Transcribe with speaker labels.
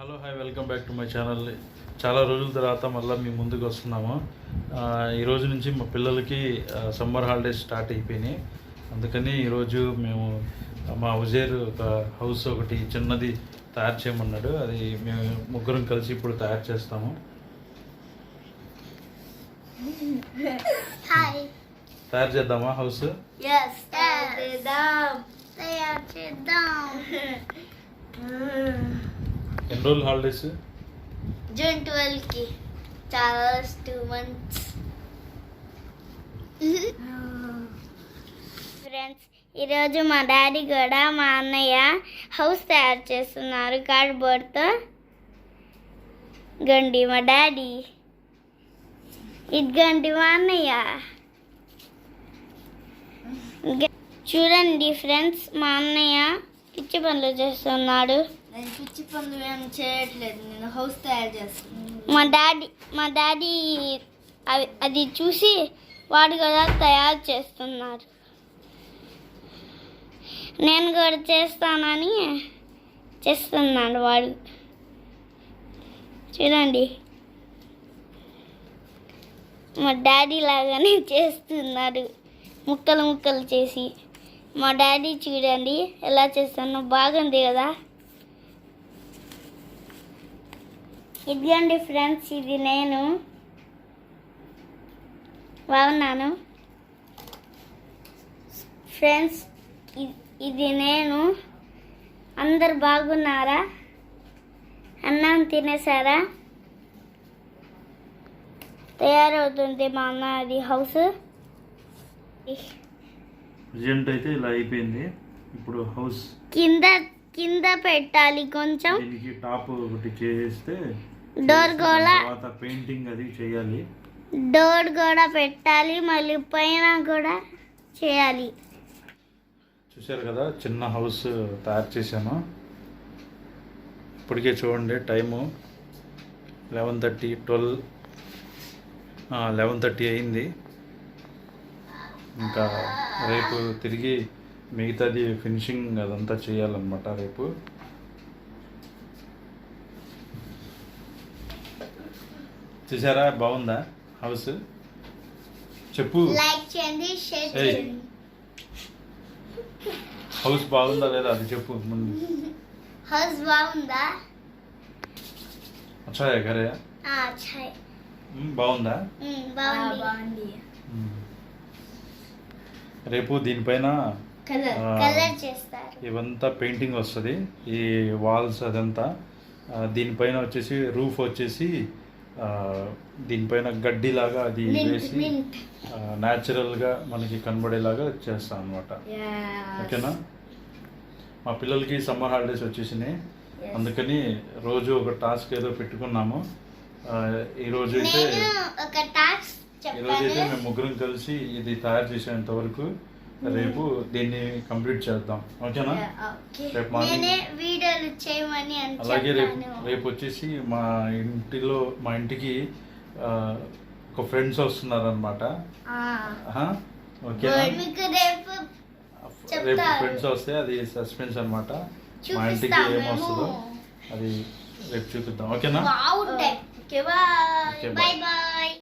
Speaker 1: Hello hi welcome back to my channel. చాలా రోజుల తర్వాత మళ్ళీ మీ ముందుకు వస్తున్నాము. ఈరోజు నుంచి మా పిల్లలకి సమ్మర్ హాలిడేస్ స్టార్ట్ అయిపోయినాయి. అందుకని ఈరోజు మేము మా ఉజేర్ ఒక హౌస్ ఒకటి చిన్నది తయారు చేయమన్నాడు. అది మేము ముగ్గురం కలిసి ఇప్పుడు తయారు చేస్తాము. తయారు చేద్దామా హౌస్? ఎన్ని రోజులు హాలిడేస్?
Speaker 2: జూన్ 12 కి. చాలా 2 months. ఫ్రెండ్స్, ఈరోజు మా డాడీ కూడా మా అన్నయ్య హౌస్ తయారు చేస్తున్నారు కార్డ్బోర్డ్తో. గండి మా డాడీ, ఇదిగండి మా అన్నయ్య. చూడండి ఫ్రెండ్స్, మా అన్నయ్య పిచ్చి పనులు చేస్తున్నాడు.
Speaker 3: నేను పిచ్చి పనులు ఏం చేయట్లేదు, నేను హౌస్ తయారు చేస్తున్నాను.
Speaker 2: మా డాడీ అది చూసి వాడు కూడా తయారు చేస్తున్నారు. నేను కూడా చేస్తానని చేస్తున్నాడు వాడు. చూడండి, మా డాడీ లాగానే చేస్తున్నారు, ముక్కలు ముక్కలు చేసి. మా డాడీ చూడండి ఎలా చేస్తానో, బాగుంది కదా. ఇదిగోండి ఫ్రెండ్స్, ఇది నేను బాగున్నాను. ఫ్రెండ్స్, ఇది నేను. అందరు బాగున్నారా? అన్నం తినేసారా? తయారవుతుంది మా అన్న అది హౌస్.
Speaker 1: ప్రజెంట్ అయితే ఇలా అయిపోయింది. ఇప్పుడు హౌస్
Speaker 2: కింద పెట్టాలి కొంచెం.
Speaker 1: దీనికి టాప్ ఒకటి చేస్తే
Speaker 2: డోర్ కూడా,
Speaker 1: తర్వాత పెయింటింగ్ అది చేయాలి.
Speaker 2: డోర్ కూడా పెట్టాలి, మళ్ళీ పైన కూడా చేయాలి.
Speaker 1: చూశారు కదా, చిన్న హౌస్ తయారు చేశాను. ఇప్పటికే చూడండి టైము 11:30 అయింది. ఇంకా రేపు తిరిగి మిగతాది ఫినిషింగ్ అదంతా చేయాలన్నమాట రేపు. చూసారా, బాగుందా హౌస్? చెప్పు,
Speaker 2: లైక్ చేయండి, షేర్ చేయండి.
Speaker 1: హౌస్ బాగుందా లేదా అది చెప్పు ముందు.
Speaker 2: హౌస్ బాగుందా?
Speaker 1: అచ్చా ఘరే
Speaker 2: అచ్చా.
Speaker 1: బాగుందా?
Speaker 2: బాగుంది.
Speaker 1: రేపు దీనిపైన
Speaker 2: కలర్ చేస్తారు.
Speaker 1: ఇవంతా పెయింటింగ్ వస్తుంది, ఈ వాల్స్ అదంతా. దీనిపైన వచ్చేసి రూఫ్ వచ్చేసి దీనిపైన గడ్డిలాగా అది వేసి న్యాచురల్గా మనకి కనబడేలాగా చేస్తాం అనమాట. ఓకేనా? మా పిల్లలకి సమ్మర్ హాలిడేస్ వచ్చేసినాయి, అందుకని రోజు ఒక టాస్క్ ఏదో పెట్టుకున్నాము. ఈరోజు అయితే మేము ముగ్గురం కలిసి ఇది తయారు చేసేంత వరకు రేపు దీన్ని కంప్లీట్ చేద్దాం. ఓకేనా? రేపు మార్నింగ్
Speaker 2: వీడియోలు చేయమని.
Speaker 1: అలాగే రేపు వచ్చేసి మా ఇంటికి ఒక ఫ్రెండ్స్ వస్తున్నారు అనమాట. ఓకేనా? రేపు ఫ్రెండ్స్ వస్తే అది సస్పెన్స్ అనమాట. మా ఇంటికి ఏమొస్తుందో అది రేపు చూపిద్దాం. ఓకేనా?
Speaker 2: Bye bye.